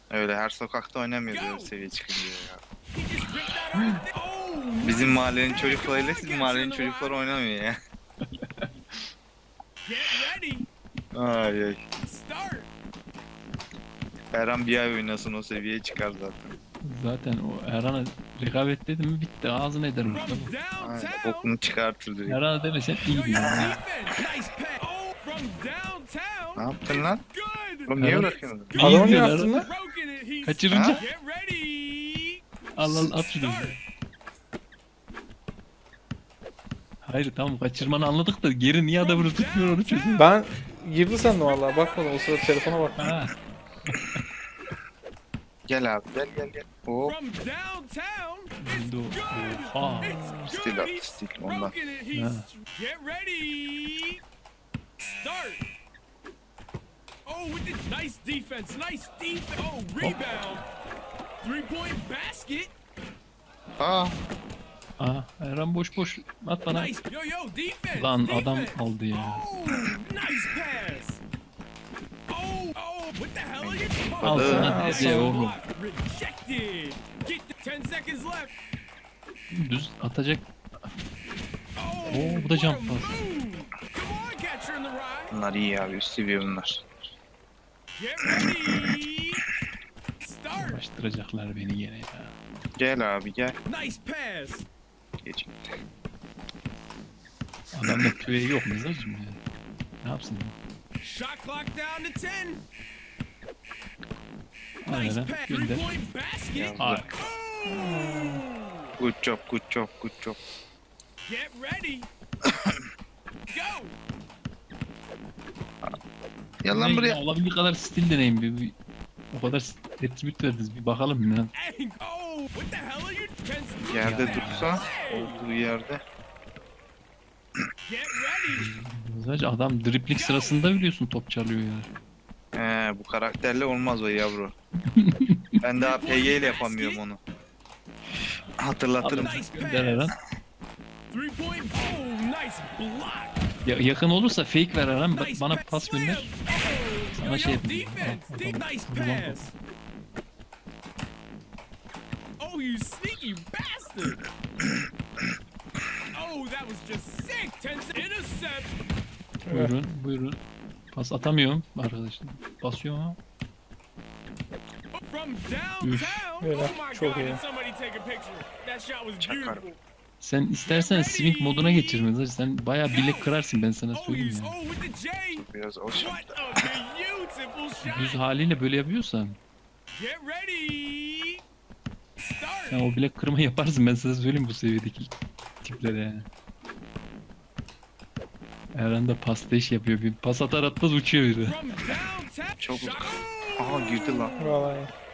Öyle her sokakta oynamıyoruz öyle seviye çıkınca ya. Bizim mahallenin çocuklarıyla sizin mahallenin çocukları oynamıyor ya. Ay ay. Erhan bir ay oynasın o seviyeye çıkar zaten. Zaten o Erhan'a rekabet dedim mi bitti. Ağzına eder orada. Aynen bokunu çıkartır direkt. Erhan'a demesen iyiydi yani. Ne yaptın lan? Oğlum niye Erhan- bırakıyorsun? İyi Adamı ne diyor yaptın Erhan. lan? Kaçırınca Ha? al al at şunu. Hayır tamam kaçırmanı anladık da geri niye adamını tutmuyor onu çözüyor. Ben girdi sandım vallahi bakmadım o sırada telefona bak. Ha. Gel abi gel. Oo Öldü o. Oha. stil at stil ondan. Ha. Get ready. Start. Oh, with the nice defense. Oh, rebound. 3-point basket. Aa Aa, Erhan boş boş at bana. Nice. Yo, defense. Lan adam defense. aldı ya. Oh, nice pass. Oh, what the hell are you Al doing? sana hediye oğlum. Block rejected. Get the 10 seconds left. Düz atacak. Oh, Oo, bu da jump what a pass. move. Come on, catcher in the ride. bunlar iyi abi üst seviye bunlar. Get ready. Start. Uğraştıracaklar beni gene ya. Gel abi gel. Nice pass. Geç. Adamda küreği yok mu zacım yani? Ne yapsın ya? Shot clock down to 10. Al Nice Erhan pass. gönder. 3-point basket. Al. Good job. Get ready. Go. Gel lan buraya. Olabildiği kadar stil deneyin bir. O kadar attribute verdiniz bir bakalım ya. Oh, what the hell are you? Yerde Ya. dursa olduğu yerde. Get ready. Sadece adam dripling sırasında biliyorsun top çalıyor ya. Bu karakterle olmaz o yavru. Ben daha PG ile yapamıyorum onu. Hatırlatırım. Nice Gönder Erhan. pass. 3-point. Oh, nice block. Yakın olursa fake ver Erhan. Nice Bana pass. pas gönder. Slam. Sana Yo, şey yo, yapayım. defense. Al, al, Nice al, al. pass. Oh, you sneaky bastard. Oh, that was just sick. 10 intercept. Buyurun. Pas atamıyorum arkadaşlar. Basıyorum ama. From downtown. Böyle, Oh my çok God, iyi. did somebody take a picture? That shot was Çakar. beautiful. Sen istersen swing moduna geçirme. Sen bayağı bilek kırarsın ben sana Oh, söyleyeyim you, ya. oh, with the J. Biraz o What şartlar. a beautiful Düz shot. haliyle böyle yapıyorsan Get ready. Start. sen o bilek kırma yaparsın ben sana söyleyeyim bu seviyedeki tiplere yani. Eren de pasta iş yapıyor. Bir pas atar atmaz uçuyor biri. From downtown. Çok Shot. Aha girdi lan. Vallahi.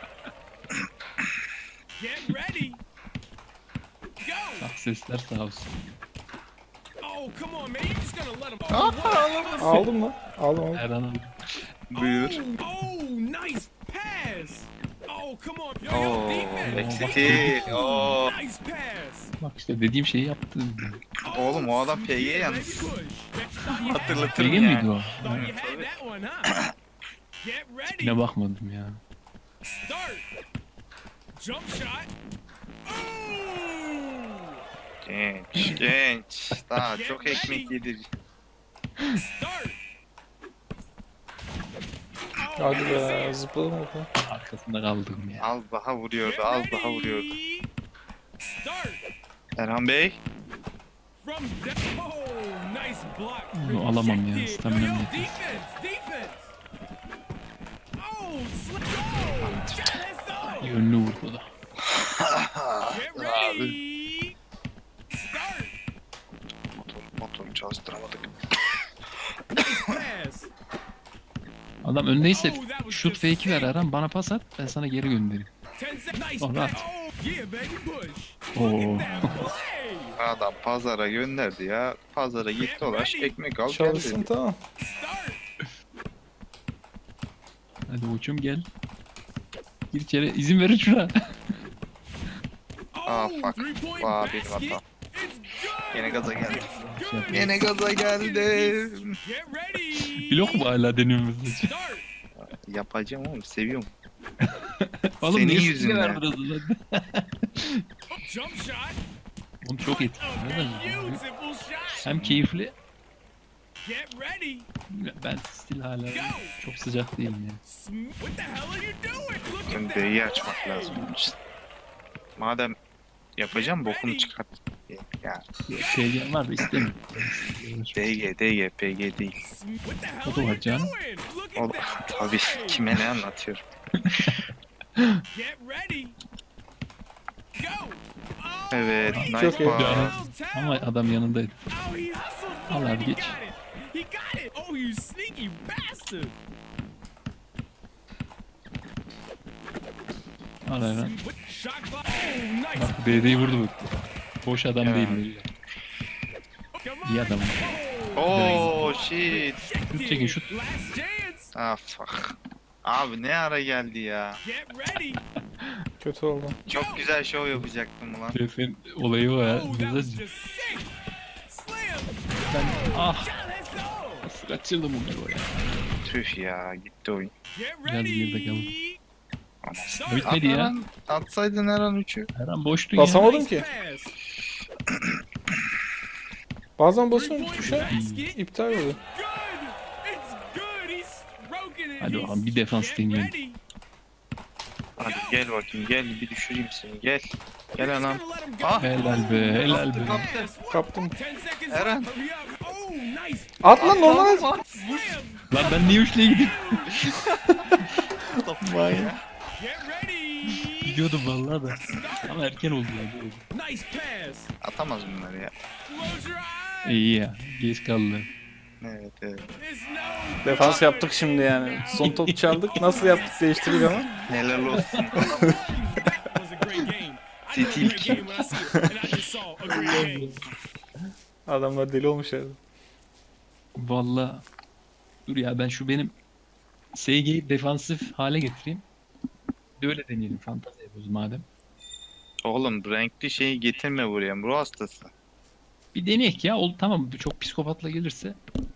Get ready. Go. Bak sesler sağ olsun. Oh, come on, man. You're just gonna let him. Oh, what? Aldım lan. Aldım. Eren Buyur. Oh, nice pass. Oh, come on. Yo, Oo, defense. eksikti. Oo. Nice pass. bak işte dediğim şeyi yaptı. Oğlum o adam PG Yeah, yalnız. baby, push. Hatırlatırım Bilgi miydi yani. o? Thought you had that one, huh? Get ready. Ne bakmadım ya. Start. Jump shot. Oh! Genç. Daha çok ekmek yedir. Start. Oh, Hadi be zıpladım orada. Arkasında kaldım ya. Az daha vuruyordu, get az daha vuruyordu. ready. Start. Erhan Bey. From oh, nice block. Bunu alamam ya, Rejected. staminam Yo, yo, yetmez. defense. Oh, slip. Oh, shot is up. Yönlü vurdu da. Get ready. Start. Motor çalıştıramadık. Pass. Adam öndeyse Oh, that was şut just fake'i ver sick. Eren bana pas at ben sana geri göndereyim. 10 seconds. Nice Oh, pass. right. Oh, yeah, baby, push. Oo. Look at that play. Adam pazara gönderdi ya. Pazara git dolaş ekmek al Çalışsın geldi. tamam. Start. Hadi uçum gel. Gir içeri izin verin şuna. Ah, Oh, fuck. 3-point Vay, benim basket. hatam. It's good. Yine gaza geldim. It's good. Yine gaza geldim. Get ready. Blok mu hala deniyoruz? Start. Yapacağım oğlum seviyorum. Oğlum Senin niye yüzünden. verdin o zaman? Jump shot. Oğlum çok etkili. A Neden? beautiful shot. Hem keyifli. Get ready. Ben still hala çok sıcak değilim yani. What the hell are you doing? Look Senin at that. B'yi açmak lazım. Madem yapacağım bokumu çıkart. Ya PG var da istemiyorum. DG, PG değil. What the hell O da are var you canım. doing? Look O at that. tabii kime ne anlatıyorum. Get ready. Go. Oh, Evet, he nice Çok iyi. took Yani- it downtown. Ama adam yanındaydı. Oh, he hustled Al for it. abi, He geç. got it. He got it. Oh, you sneaky bastard. Al hemen. Shot clock. Oh, nice. Bak BD'yi vurdu bu. Boş adam Ya. değil mi? Come İyi on. adam. Oh shit. Şut çekin şut. Last chance. Ah fuck. Abi ne ara geldi ya. Get ready. Kötü oldu. Çok güzel show yapacaktım ulan. Şefin olayı o ya. Oh, that was Güzel. just sick. Slam. Ben ah Shot, let's go. nasıl kaçırdım onu ya. Tüh ya gitti oyun. Get Biraz geride ready. kaldım. Anasını. Bitmedi ya. Atsaydın her an 3'ü. Her an boştun ya. Basamadım Nice ki. pass. Bazen basıyorum Three-point tuşa basket. iptal oluyor. Good. It's good. He's stroking it. Hadi He's- bakalım, bir defans Get deneyelim. ready. Hadi gel bakayım gel bir düşüreyim seni gel. Gel anam. Just gonna let him go. Ah. Helal be, helal be. Kaptı. Kaptım. 10 seconds Eren. left. Hurry up. Oh, nice. At lan normal at. Slam. Lan ben niye üçlüye gidiyorum? Get ready. Gidiyordum vallahi da. Ama erken oldu ya. Nice pass. Atamaz bunları ya. Close your eyes. İyi ya. Geç kaldı. Evet evet. It's no Defans yaptık şimdi yani. Son top çaldık. Nasıl yaptık değiştirdik ama. Helal olsun. That was a great game. I know a City great game when I see it, and I just saw a great game. Adamlar deli olmuş herhalde. Vallahi. Dur ya, ben şu benim SG'yi defansif hale getireyim. Bir de öyle deneyelim. Fantazi yapıyoruz madem. Oğlum renkli şeyi getirme buraya. Ruh hastası. Bir deneyek ya. Tamam, çok psikopatla gelirse